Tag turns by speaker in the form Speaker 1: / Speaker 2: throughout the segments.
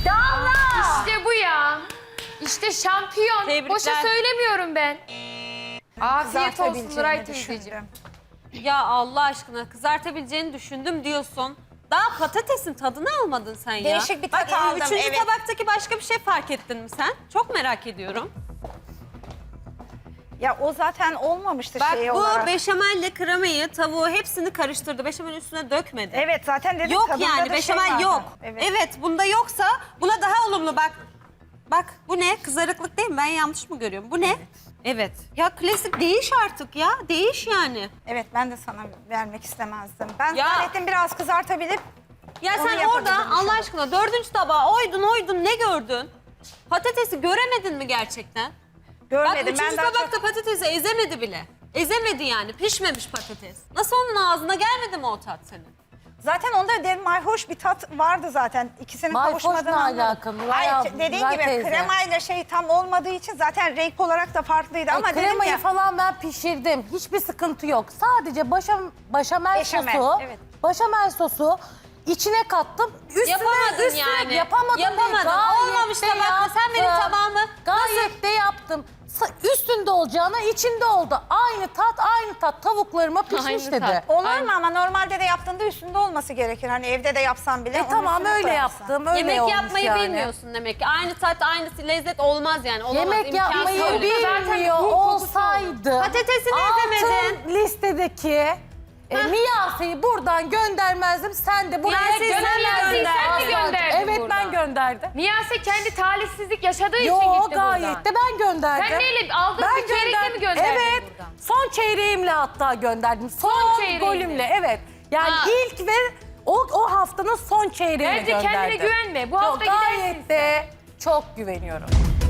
Speaker 1: Damla!
Speaker 2: İşte bu ya. İşte şampiyon.
Speaker 3: Tebrikler.
Speaker 2: Boşa söylemiyorum ben. Afiyet olsun
Speaker 1: Kızartabileceğini
Speaker 2: Nuray teyzeciğim.
Speaker 1: düşündüm.
Speaker 3: Ya Allah aşkına kızartabileceğini düşündüm diyorsun. Daha patatesin tadını almadın sen ya.
Speaker 1: Değişik bir tat
Speaker 3: Bak,
Speaker 1: aldım,
Speaker 3: üçüncü
Speaker 1: evet.
Speaker 3: tabaktaki başka bir şey fark ettin mi sen? Çok merak ediyorum.
Speaker 1: Ya o zaten olmamıştı
Speaker 3: Bak
Speaker 1: şey
Speaker 3: bu
Speaker 1: olarak.
Speaker 3: beşamelle kremayı, tavuğu hepsini karıştırdı. Beşamelin üstüne dökmedi.
Speaker 1: Evet zaten dedim
Speaker 3: Yok
Speaker 1: tadında
Speaker 3: yani
Speaker 1: da
Speaker 3: beşamel
Speaker 1: şey vardı.
Speaker 3: yok.
Speaker 1: Evet.
Speaker 3: Evet bunda yoksa buna daha olumlu bak. Bak bu ne? Kızarıklık değil mi? Ben yanlış mı görüyorum? Bu ne? Evet. Ya klasik değiş artık ya. Değiş yani.
Speaker 1: Evet ben de sana vermek istemezdim. Ben
Speaker 3: Ya.
Speaker 1: zannettim biraz kızartabilip
Speaker 3: Ya
Speaker 1: onu
Speaker 3: sen orada
Speaker 1: yapabilirim
Speaker 3: Allah
Speaker 1: şu an.
Speaker 3: aşkına dördüncü tabağa oydun ne gördün? Patatesi göremedin mi gerçekten?
Speaker 1: görmedim.
Speaker 3: Bak üçüncü
Speaker 1: ben daha
Speaker 3: tabakta
Speaker 1: çok...
Speaker 3: patatesi ezemedi bile. Ezemedi yani. Pişmemiş patates. Nasıl onun ağzına gelmedi mi o tat senin?
Speaker 1: Zaten onda dedim mayhoş bir tat vardı zaten. İkisinin
Speaker 4: Mayhoşla
Speaker 1: kavuşmadığını anladım.
Speaker 4: alakalı, Nuray
Speaker 1: Hayır
Speaker 4: abla,
Speaker 1: dediğin
Speaker 4: Nuray
Speaker 1: gibi
Speaker 4: teyze.
Speaker 1: kremayla şey tam olmadığı için zaten renk olarak da farklıydı ama dedim
Speaker 4: Kremayı
Speaker 1: ya.
Speaker 4: falan ben pişirdim. Hiçbir sıkıntı yok. Sadece beşamel
Speaker 1: Beşamel,
Speaker 4: sosu,
Speaker 1: evet.
Speaker 4: Beşamel sosu içine kattım.
Speaker 3: Yapamadın yani.
Speaker 4: Yapamadım.
Speaker 3: Yapamadın.
Speaker 4: Değil. Gayet
Speaker 3: Olmamış
Speaker 4: de
Speaker 3: tabakta. Sen benim
Speaker 4: yaptım.
Speaker 3: tabağımı
Speaker 4: Gayet de yaptım. Üstünde olacağına içinde oldu. Aynı tat tavuklarıma pişmiş
Speaker 2: Aynı
Speaker 4: dedi.
Speaker 2: tat.
Speaker 1: Olur
Speaker 2: Aynen.
Speaker 1: mu ama normalde de yaptığında üstünde olması gerekir. Hani evde de yapsam bile. onun
Speaker 4: Tamam
Speaker 1: üstüne
Speaker 4: öyle
Speaker 1: koyarsın.
Speaker 4: yaptım. Öyle
Speaker 3: yemek
Speaker 4: olmuş
Speaker 3: yapmayı
Speaker 4: yani.
Speaker 3: bilmiyorsun demek ki. Aynı tat, aynı lezzet olmaz yani. Olamaz.
Speaker 4: Yemek
Speaker 3: imkansız.
Speaker 4: yapmayı
Speaker 2: Zaten
Speaker 4: bilmiyor
Speaker 2: bu kokusu
Speaker 4: olsaydı
Speaker 3: Patatesini ezemedin.
Speaker 4: altın listedeki Miyase'yi buradan göndermezdim. Sen de buraya
Speaker 3: Miyase'yi sen mi
Speaker 4: gönderdin.
Speaker 2: Sen mi gönderdin
Speaker 4: Evet
Speaker 2: burada?
Speaker 4: ben gönderdim.
Speaker 2: Miyase kendi talihsizlik yaşadığı için
Speaker 4: Yo
Speaker 2: gitti
Speaker 4: gayet
Speaker 2: buradan.
Speaker 4: de ben gönderdim.
Speaker 2: Sen neyle aldığın bir çeyrekle mi gönderdin
Speaker 4: Evet.
Speaker 2: buradan?
Speaker 4: Son çeyreğimle hatta gönderdim. Son
Speaker 2: çeyreğinle.
Speaker 4: golümle evet. Yani
Speaker 2: Ha.
Speaker 4: ilk ve o haftanın son çeyreğini
Speaker 2: Bence
Speaker 4: gönderdim.
Speaker 2: kendine güvenme. Bu hafta
Speaker 4: Gayet
Speaker 2: gidersin
Speaker 4: de çok güveniyorum.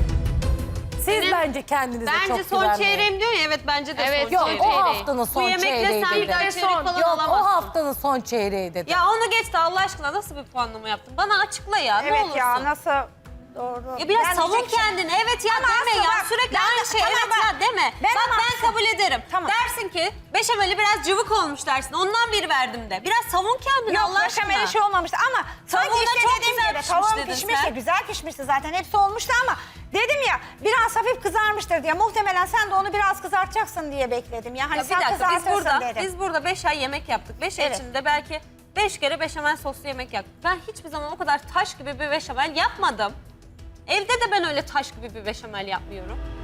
Speaker 4: Siz
Speaker 3: Senin-
Speaker 4: bence kendinize çok
Speaker 3: Bence son
Speaker 4: güvenmeyin.
Speaker 3: çeyreğim diyor ya. Evet bence de
Speaker 2: Evet,
Speaker 3: son
Speaker 4: Yok
Speaker 3: çeyreğim.
Speaker 4: o haftanın
Speaker 3: Bu
Speaker 4: son
Speaker 3: yemekle
Speaker 4: çeyreği
Speaker 3: sen bir
Speaker 4: dedi.
Speaker 3: daha
Speaker 2: Ve
Speaker 3: çeyrek
Speaker 2: son.
Speaker 3: falan
Speaker 4: Yok
Speaker 3: alamazsın.
Speaker 4: o haftanın son çeyreği dedi.
Speaker 3: Ya onu geçti Allah aşkına nasıl bir puanlama yaptın? Bana açıkla ya ne
Speaker 1: Evet
Speaker 3: olursun.
Speaker 1: ya nasıl doğru.
Speaker 3: Ya biraz
Speaker 1: Ben
Speaker 3: savun
Speaker 1: diyecek şey-
Speaker 3: kendini. Evet ya
Speaker 1: Ama
Speaker 3: deme
Speaker 1: aslında
Speaker 3: ya.
Speaker 1: bak,
Speaker 3: Sürekli
Speaker 1: ben de-
Speaker 3: aynı şey.
Speaker 1: tamam
Speaker 3: Evet
Speaker 1: bak.
Speaker 3: ya deme.
Speaker 1: Ben
Speaker 3: Bak
Speaker 1: ama
Speaker 3: ben
Speaker 1: aslında-
Speaker 3: kabul ederim.
Speaker 1: Tamam.
Speaker 3: Dersin ki beşameli biraz cıvık olmuş dersin. Ondan bir verdim de. Biraz savun kendini
Speaker 1: Yok
Speaker 3: Allah aşkına.
Speaker 1: beşamel şey olmamıştı ama sanki
Speaker 3: Tavuğu da
Speaker 1: işte
Speaker 3: çok
Speaker 1: dediğim
Speaker 3: güzel
Speaker 1: gibi
Speaker 3: pişmiş
Speaker 1: tavuğum
Speaker 3: dedin
Speaker 1: pişmişti,
Speaker 3: sen.
Speaker 1: güzel pişmişti zaten hepsi olmuştu ama dedim ya biraz hafif kızarmıştır diye muhtemelen sen de onu biraz kızartacaksın diye bekledim. Ya hani
Speaker 3: Ya bir
Speaker 1: sen
Speaker 3: dakika
Speaker 1: kızartırsın dedim.
Speaker 3: biz burada 5 ay yemek yaptık. 5 ay
Speaker 1: Evet.
Speaker 3: içinde belki 5 kere beşamel soslu yemek yaptık. Ben hiçbir zaman o kadar taş gibi bir beşamel yapmadım. Evde de ben öyle taş gibi bir beşamel yapmıyorum.